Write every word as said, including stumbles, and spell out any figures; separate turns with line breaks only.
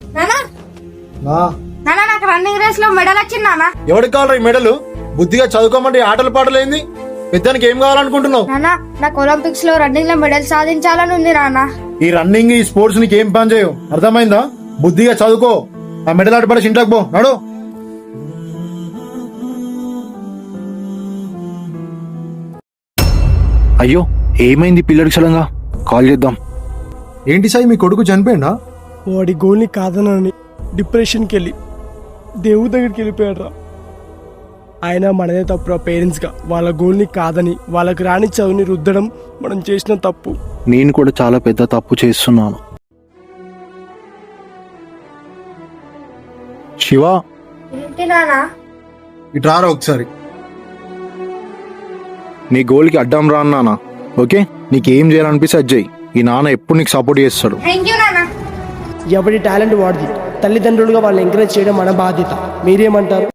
నాకు running race లో medal వచ్చింది నాన్న.
ఎవరికి కావాలి ఈ మెడలు? బుద్ధిగా చదువుకోమంటే ఆటలు పాటలేంది? పెద్దానికి ఏం కావాలనుకుంటున్నావు?
నాన్న నాకు ఒలింపిక్స్ లో రన్నింగ్ లో మెడల్ సాధించాలని ఉంది నాన్న.
ఈ రన్నింగ్ ఈ స్పోర్ట్స్ నీకు ఏం పని చేయవు, అర్థమైందా? బుద్ధిగా చదువుకో. ఆ మెడల్ ఆట పడేసి ఇంట్లోకి పో. నడు.
అయ్యో ఏమైంది పిల్లడికి? సడన్గా కాల్ చేద్దాం.
ఏంటి సాయి, మీ కొడుకు చనిపోయిందా?
వాడి గోల్ని కాదనని డిప్రెషన్కి వెళ్ళి దేవుడి దగ్గరికి వెళ్ళిపోయాడు రా. ఆయన మనదే తప్పురా. పేరెంట్స్గా వాళ్ళ గోల్ని కాదని వాళ్ళకి రాని చదువుని రుద్దడం మనం చేసిన తప్పు.
నేను కూడా చాలా పెద్ద తప్పు చేస్తున్నాను. శివ,
ఏంటి నాన్న?
ఇటు రారా ఒకసారి.
నీ గోల్కి అడ్డం రా అన్నానా? ఓకే, నీకేం చేయాలనిపిస్తే అది చెయ్యి. ఈ నాన్న ఎప్పుడు నీకు సపోర్ట్ చేస్తాడు.
థ్యాంక్ యూ నాన్న.
ఎవరి టాలెంట్ వాడిది. తల్లిదండ్రులుగా వాళ్ళని ఎంకరేజ్ చేయడం మన బాధ్యత. మీరేమంటారు?